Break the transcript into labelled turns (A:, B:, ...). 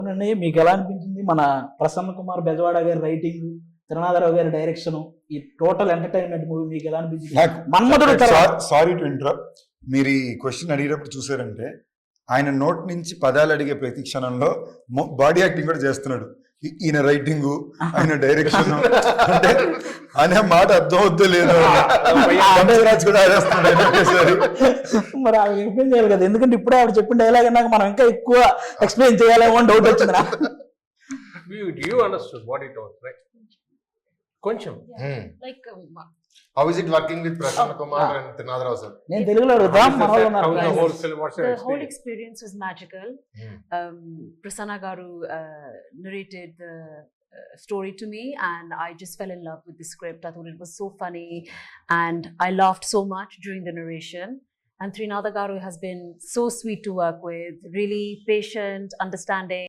A: అవునండి, మీకు ఎలా అనిపించింది మన ప్రసన్న కుమార్ బెజవాడ గారి రైటింగ్, త్రినాథరావు గారి డైరెక్షన్, ఈ టోటల్ ఎంటర్టైన్మెంట్ మూవీ మీకు ఎలా అనిపించింది? మన్మధుడు
B: సారీ టు ఇంటరప్ట్, మీరు ఈ క్వశ్చన్ అడిగేటప్పుడు చూసారంటే ఆయన నోట్ నుంచి పదాలు అడిగే ప్రతి క్షణంలో బాడీ యాక్టింగ్ కూడా చేస్తున్నాడు. ఈయన రైటింగ్, ఆయన డైరెక్షన్ అంటే అనే మాట అర్థం అవుద్దో లేదో రాజు కూడా ఆడేస్తున్నాడు.
A: మరి ఆవిడ ఎక్స్ప్లెయిన్ చేయాలి కదా, ఎందుకంటే ఇప్పుడే ఆవిడ చెప్పిన డైలాగ్ అన్నాక మనం ఇంకా ఎక్కువ ఎక్స్ప్లెయిన్ చేయాలేమో అని డౌట్ వచ్చింది నాకు.
C: You understood what it was, right? కొంచెం
D: Like,
E: how is it working with Prasanna Kumar and Trinadharao sir?
A: నేను తెలుగులో అడుగుతాం, మన వాళ్ళు ఉన్నారు.
D: the whole experience was magical. Prasanna Garu narrated the story to me, and I just fell in love with the script. I thought it was so funny, and I laughed so much during the narration. And Trinadha Garu has been so sweet to work with, really patient, understanding.